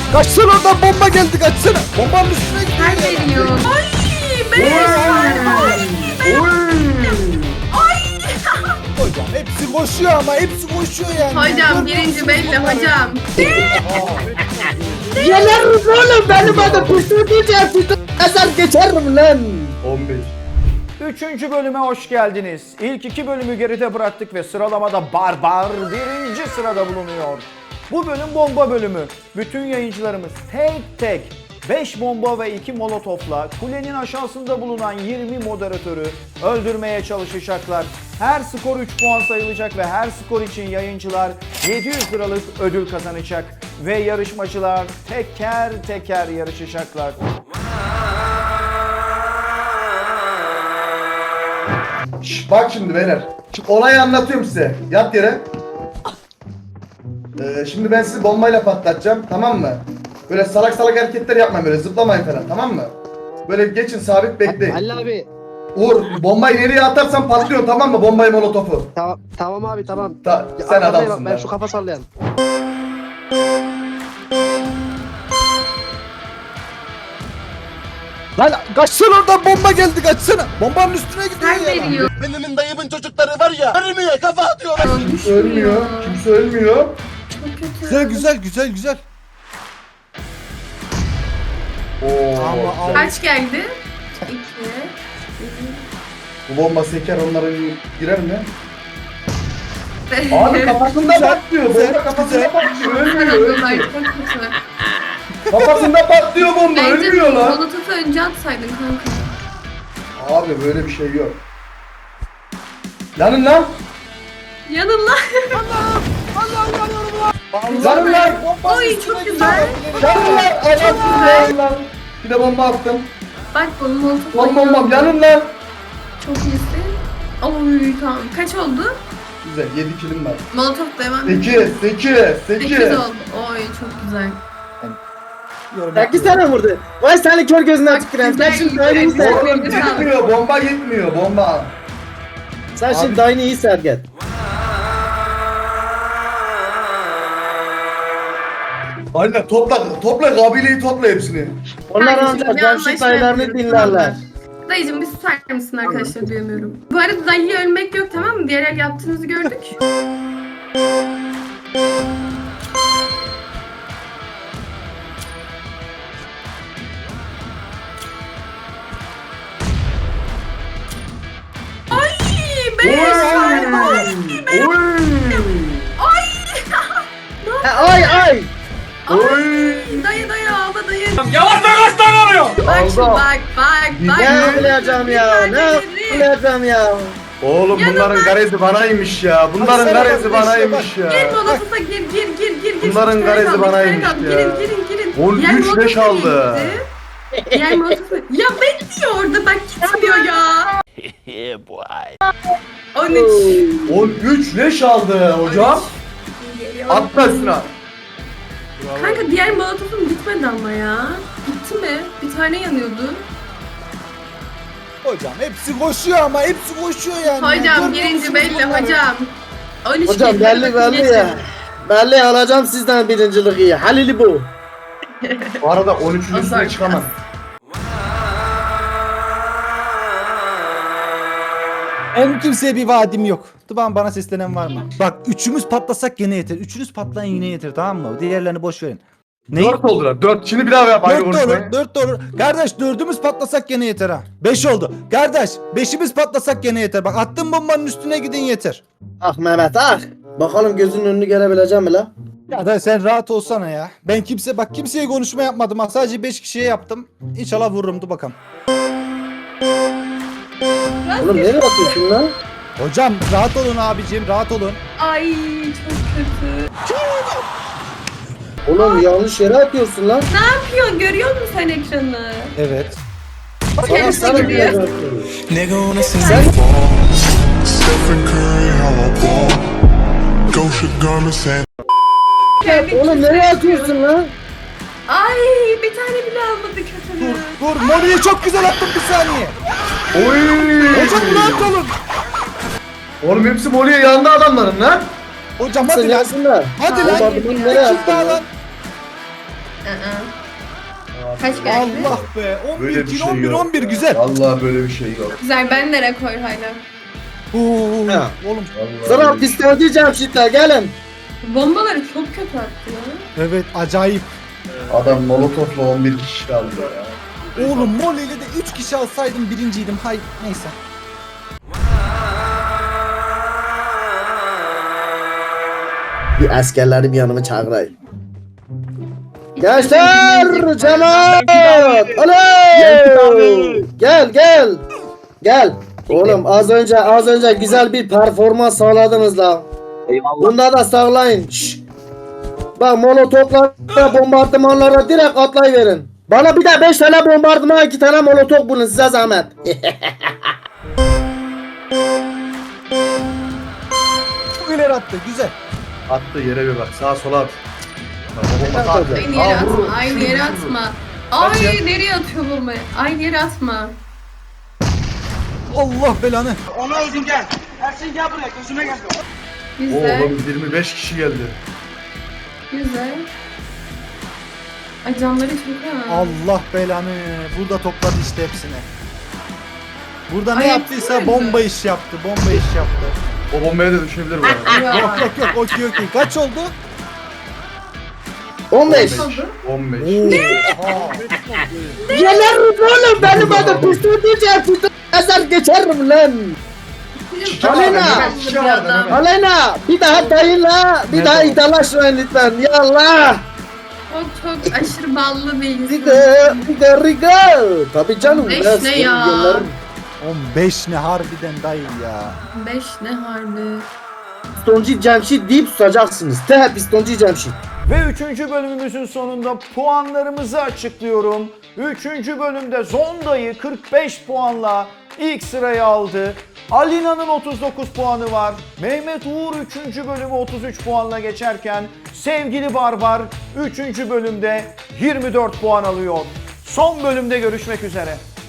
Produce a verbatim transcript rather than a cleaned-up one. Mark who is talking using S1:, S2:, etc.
S1: Kaçsana oradan, bomba geldi, kaçsana. Bombanın üstüne gidiyor.
S2: Her veriyor. Ay be.
S1: Hocam hepsi koşuyor ama hepsi koşuyor yani.
S2: Hocam birinci belli hocam.
S3: Geliriz oğlum, benim adım Püstü diyeceğim. Püstü kasar geçerim lan.
S4: on beş.
S5: Üçüncü bölüme hoş geldiniz. İlk iki bölümü geride bıraktık ve sıralamada Barbar birinci sırada bulunuyor. Bu bölüm bomba bölümü. Bütün yayıncılarımız tek tek beş bomba ve iki molotofla kulenin aşağısında bulunan yirmi moderatörü öldürmeye çalışacaklar. Her skor üç puan sayılacak ve her skor için yayıncılar yedi yüz liralık ödül kazanacak. Ve yarışmacılar teker teker yarışacaklar.
S4: Şş, bak şimdi beyler. Şimdi olayı anlatıyorum size. Yat yere. Ee, şimdi ben sizi bombayla patlatacağım, tamam mı? Böyle salak salak hareketler yapmayın, böyle zıplamayın falan, tamam mı? Böyle geçin, sabit bekleyin.
S3: Halil abi.
S4: Uğur, bombayı nereye atarsan patlıyor, tamam mı? Bombayı, molotofu.
S3: Tamam tamam abi tamam.
S4: Ta,
S3: Ya,
S4: sen
S3: arkadayım,
S4: adamsın
S3: ben
S4: be.
S3: şu kafa sallayan.
S1: Lan kaçsana oradan, bomba geldi, kaçsana. Bombanın üstüne gidiyor
S2: Her
S1: ya.
S2: veriyor.
S6: Benim dayımın çocukları var ya, ölmüyor, kafa atıyorlar.
S4: Kimse ölmüyor, kimse ölmüyor.
S2: Çok kötü.
S1: Güzel güzel güzel güzel.
S4: Oo,
S1: Ama
S4: güzel.
S2: Kaç geldi? İki.
S4: Bu bomba seker, onların girer mi? Abi kafasında patlıyor, bomba kafasında patlıyor, ölmüyor,
S2: Sarıldılar,
S4: ölmüyor.
S2: çok kötü.
S4: Kafasında patlıyor bomba,
S2: Bence
S4: ölmüyor lan.
S2: molotofu önce atsaydın kanka.
S4: Abi böyle bir şey yok. Yanın lan.
S2: Yanın lan.
S4: Yanın lan.
S2: Oy çok güzel.
S4: Yanın lan. Anasını yanın lan. Bir de bomba attım.
S2: Bak bunun molotofu.
S4: Lan bombam yanın lan.
S2: Çok iyisin. Oy tamam. Kaç oldu?
S4: Güzel, yedi kilim var.
S2: Molotof devam.
S4: sekiz, sekiz,
S2: sekiz
S4: sekiz.
S2: oldu. Oy çok güzel.
S3: Sekiz tane vurdu. Vay senin kör gözünden tüküren. Sen şimdi dayını iyi
S2: güzel.
S3: serget.
S4: Oğlum gitmiyor, bomba gitmiyor, bomba.
S3: Sen
S4: Abi-
S3: şimdi dayını iyi serget.
S4: Aynen, topla, topla kabileyi, topla hepsini.
S3: Onlar
S2: Kardeşim,
S3: ancak
S2: bir
S3: Cemşit
S2: anlaşma
S3: dayılarını
S2: yapıyoruz,
S3: dinlerler.
S2: Dayıcım bir susar mısın arkadaşlar, duyamıyorum. Bu arada dayıya ölmek yok, tamam mı? Diğer el yaptığınızı gördük. Ay beş.
S4: Oy!
S3: Ha, Ay ay.
S4: Oy!
S2: Dayı dayı ağla dayı.
S6: Yavaş yavaş lan oluyor.
S2: Bak şimdi
S4: Aldı.
S2: bak bak bak.
S3: Ne yapacağım ya? Ne yapacağım ya?
S4: Oğlum bunların
S2: Yanımdan-
S4: garezi banaymış ya. Bunların
S1: Baksana
S4: garezi
S1: bak,
S4: banaymış
S2: Gir
S4: ya.
S2: molotofa gir gir gir gir gir.
S4: Bunların
S2: İki tane
S4: garezi
S2: kaldı, iki
S4: banaymış
S2: tane kaldı.
S4: ya.
S2: Girin girin girin.
S4: On
S2: Diğer
S4: üç
S2: molotofa
S4: leş aldı.
S2: gitti. Diğer molotofa. Ya bekliyor orada bak gitmiyor ya. on üç.
S4: on üç leş aldı hocam.
S2: Geliyor.
S4: Atla üstüne.
S2: Kanka diğer molotofum gitmedi ama ya. Gitti mi? Bir tane yanıyordu.
S1: Hocam hepsi koşuyor ama hepsi koşuyor yani.
S2: Hocam
S1: Görmüyor
S2: birinci
S1: musunuz
S2: belli
S1: bunları?
S2: hocam. on üç
S3: Hocam
S2: geldi,
S3: belli
S2: bakın
S3: belli
S2: geçin.
S3: ya. Belli alacağım sizden birinciliği. Halil'i bu.
S4: Bu arada on üçün
S2: Azar
S4: üstüne çıkamaz.
S1: En kimseye bir vaadim yok. Tıban bana seslenen var mı? Bak üçümüz patlasak gene yeter. Üçünüz patlayın yine yeter, tamam mı? Diğerlerini boş verin. Ne?
S4: dört oldular. dört. Şimdi bir daha yap aynı
S1: Dört de olur,
S4: konuşmayı.
S1: dört de olur. Kardeş dördümüz patlasak gene yeter ha. Beş oldu. Kardeş beşimiz patlasak gene yeter. Bak attım bombanın üstüne gidin yeter.
S3: Ah Mehmet ah. Bakalım gözünün önünü görebileceğim mi la?
S1: Ya da sen rahat olsana ya. Ben kimse bak kimseye konuşma yapmadım ha. Sadece beş kişiye yaptım. İnşallah vururum, dur bakalım.
S3: Oğlum nereye atıyorsun lan?
S1: Hocam rahat olun abicim, rahat olun.
S2: Ay çok kötü.
S3: Oğlum yanlış yere atıyorsun lan.
S2: Ne yapıyorsun? Görüyor musun sen ekranı?
S1: Evet.
S3: Sana
S2: Kendisi
S3: sana bir
S2: gidiyor.
S3: yere atıyorsun.
S7: Nigga wanna see
S3: Sen
S7: me fall. Stephen Curry, how I ball. Gosha garments and
S3: oğlum nereye atıyorsun lan?
S2: Ay bir tane bile almadı kötülüğü.
S1: Dur, Moli'yi çok güzel attım, bir saniye.
S4: Oy!
S1: Hocam rahat olun.
S4: Oğlum hepsi Moli'ye yandı adamların lan.
S1: Hocam
S3: Sen
S1: hadi lan.
S3: yansınlar.
S1: Hadi lan.
S3: Bombardımanı nereye
S1: Ekip
S3: attın
S1: daha
S3: lan?
S1: lan.
S2: Kaç geldi?
S1: Allah be. on
S4: Böyle
S1: bir
S4: bir
S1: kilo
S4: şey
S1: on bir
S4: yok.
S1: on bir güzel.
S4: Vallahi böyle bir şey yok.
S2: Güzel, ben de rekor hala.
S1: Oo,
S3: Ha.
S1: oğlum.
S4: Vallahi
S3: Sıra
S4: böyle bir şey-
S3: pistoncu Cemşit'te gelin.
S2: Bombaları çok kötü attı ya.
S1: Evet acayip.
S4: Adam molotofla on bir kişi kaldı ya.
S1: Oğlum Molly ile de üç kişi alsaydım birinciydim. Hay neyse.
S3: Bir askerleri bir yanıma çağırayım. Gençler! Cemaat! Alo! Gel gel! Gel! Oğlum az önce az önce güzel bir performans sağladınız la.
S8: Eyvallah.
S3: Bunda da sağlayın. Şşş. Bak molotoflara, bombardımanlara direkt atlayıverin. Bana bir de beş tane bombardıman, iki tane molotof bulun size zahmet.
S1: Çok ileri attı. Güzel.
S4: Attı yere bir bak. Sağa sola at.
S2: Aynı yere atma, aynı yere atma. Ay nereye atıyor bombayı? Aynı yere atma.
S1: Allah belanı.
S6: Ona uzun gel. Ersin gel buraya gözüme gel.
S2: Güzel,
S4: Oğlum yirmi beş kişi geldi.
S2: güzel. Ay canları çok ha.
S1: Allah belanı. Burada topladı işte hepsini. Burada ne
S2: Ay,
S1: yaptıysa
S2: yaptı
S1: bomba iş yaptı. Bomba iş yaptı.
S4: O bombaya da düşebilir bu arada.
S2: Ya.
S1: Yok yok yok. Okey okey. Kaç oldu?
S3: on beş.
S2: Oldu.
S4: on beş.
S3: Gelirim oğlum benim adım pistoncu Cemşit'te ezer geçerim lan. Aleyna!
S4: Şişe var da hemen.
S3: Aleyna bir daha dayıyla bir daha iddialaşmayın lütfen. Ya Allah!
S2: Çok çok aşırı ballı bir
S3: Bir
S2: insan.
S3: de bir de Riga. Tabii canım.
S2: Beş
S3: biraz
S2: ne ya?
S3: gönderin.
S1: on beş ne harbiden dayı ya.
S2: Beş ne harbi.
S3: Pistoncu Cemşit deyip susacaksınız. Te pistoncu Cemşit.
S5: Ve üçüncü bölümümüzün sonunda puanlarımızı açıklıyorum. Üçüncü bölümde Zonda'yı kırk beş puanla ilk sırayı aldı. Alina'nın otuz dokuz puanı var. Mehmet Uğur üçüncü bölümü otuz üç puanla geçerken sevgili Barbar üçüncü bölümde yirmi dört puan alıyor. Son bölümde görüşmek üzere.